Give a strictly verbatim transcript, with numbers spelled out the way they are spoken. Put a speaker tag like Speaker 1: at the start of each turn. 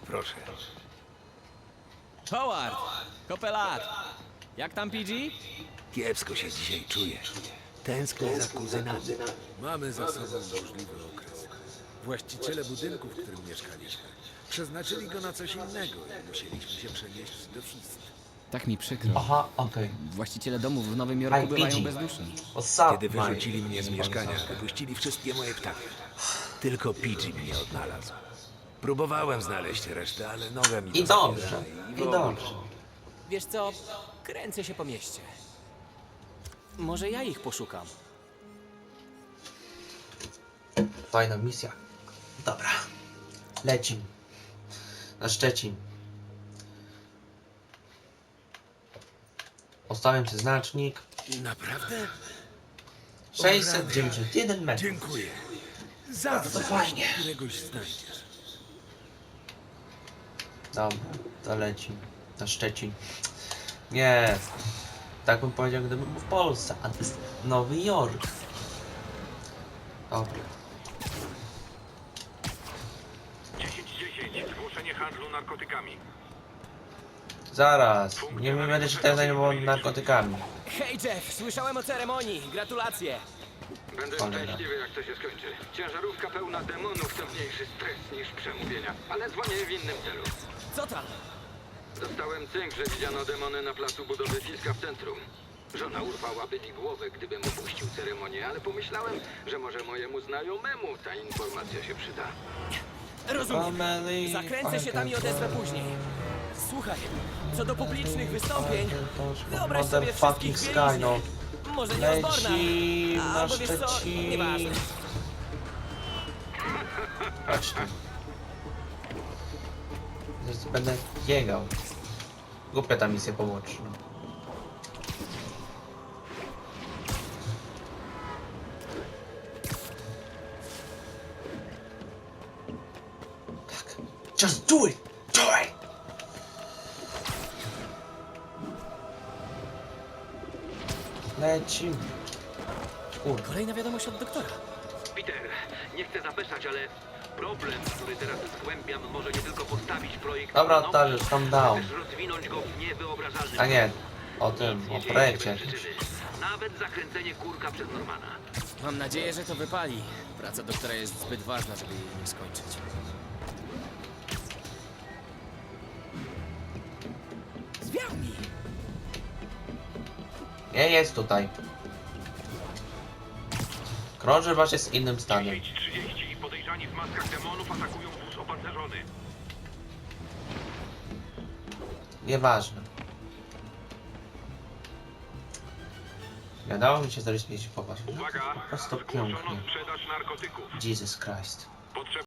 Speaker 1: Proszę.
Speaker 2: Howard! Kopelat! Jak tam P G?
Speaker 1: Kiepsko się dzisiaj czuję. Tęsknię za kuzynami.
Speaker 3: Mamy za sobą burzliwy okres. Właściciele budynku, w którym mieszkaliśmy, przeznaczyli go na coś innego i musieliśmy się przenieść do Fist.
Speaker 2: Tak mi przykro.
Speaker 4: Aha, okej.
Speaker 2: Właściciele domów w Nowym Jorku
Speaker 4: Hi,
Speaker 2: bywają
Speaker 4: P G.
Speaker 2: bezduszni.
Speaker 4: What's up,
Speaker 1: Kiedy
Speaker 4: mate?
Speaker 1: wyrzucili mnie z mieszkania, wypuścili wszystkie moje ptaki. Tylko P G mnie odnalazł. Próbowałem znaleźć resztę, ale noga mi
Speaker 4: I
Speaker 1: to
Speaker 4: dobrze,
Speaker 1: zabiera
Speaker 4: i
Speaker 1: w ogóle.
Speaker 4: dobrze.
Speaker 2: Wiesz co? Kręcę się po mieście. Może ja ich poszukam.
Speaker 4: Fajna misja. Dobra. Lecim. Na Szczecin. Postawiam sobie znacznik.
Speaker 3: Naprawdę?
Speaker 4: sześćset dziewięćdziesiąt jeden metrów.
Speaker 3: Dziękuję.
Speaker 4: To
Speaker 3: Zawsze
Speaker 4: fajnie.
Speaker 3: któregoś znajdziesz.
Speaker 4: Dobra, to lecim. Na Szczecin. Nie. Tak bym powiedział, gdybym był w Polsce, a to jest Nowy Jork. Dobra.
Speaker 5: dziesięć dziesięć. Zgłoszenie handlu narkotykami.
Speaker 4: Zaraz. Nie będę się teraz zajmował narkotykami.
Speaker 2: Hej Jeff, słyszałem o ceremonii. Gratulacje.
Speaker 5: Będę
Speaker 4: Cholera.
Speaker 5: szczęśliwy, jak to się skończy. Ciężarówka pełna demonów to mniejszy stres niż przemówienia. Ale dzwonię w innym celu.
Speaker 2: Co tam?
Speaker 5: Dostałem cynk, że widziano demony na placu budowy Fiska w centrum. Żona urwałaby mi głowę, gdybym opuścił ceremonię, ale pomyślałem, że może mojemu znajomemu ta informacja się przyda.
Speaker 2: Rozumiem.
Speaker 4: Family,
Speaker 2: Zakręcę się tam i odezwę później. Słuchaj, co do publicznych wystąpień, wyobraź sobie wszystkich w
Speaker 4: Sky,
Speaker 2: bieliźnie.
Speaker 4: no.
Speaker 2: Może nie Osborna,
Speaker 4: Lecim na
Speaker 2: albo wiesz co,
Speaker 4: Szczecin.
Speaker 2: nieważne.
Speaker 4: Chodź tu. Zaraz będę biegał. Głupia ta misja poboczna. Tak. Just do it! Do it! Lecim. Kurde.
Speaker 2: Kolejna wiadomość od doktora.
Speaker 5: Peter, nie chcę zapeszać, ale problem, który teraz zgłębiam, może nie tylko postawić projekt...
Speaker 4: Dobra,
Speaker 5: na nogi,
Speaker 4: Dariusz, calm down.
Speaker 5: ale też rozwinąć go w niewyobrażalny
Speaker 4: A nie,
Speaker 5: sposób.
Speaker 4: o tym,
Speaker 5: Nic
Speaker 4: o
Speaker 5: nie dzieje
Speaker 4: projekcie
Speaker 5: się bez
Speaker 4: jakimś.
Speaker 5: przyczyny. Nawet zakręcenie kurka przez Normana.
Speaker 2: Mam nadzieję, że to wypali. Praca doktora jest zbyt ważna, żeby jej nie skończyć. Zwiałni!
Speaker 4: Nie jest tutaj. Krąży właśnie z innym stanem.
Speaker 5: dziesięć trzydzieści. Podejrzani w maskach demonów atakują wóz opancerzony.
Speaker 4: Nieważne. Nie dało mi się zarysować popatrz.
Speaker 5: Uwaga!
Speaker 4: Po prostu
Speaker 5: Zgłoszono
Speaker 4: pięknie.
Speaker 5: sprzedaż narkotyków.
Speaker 4: Jesus Christ.
Speaker 5: Potrzeba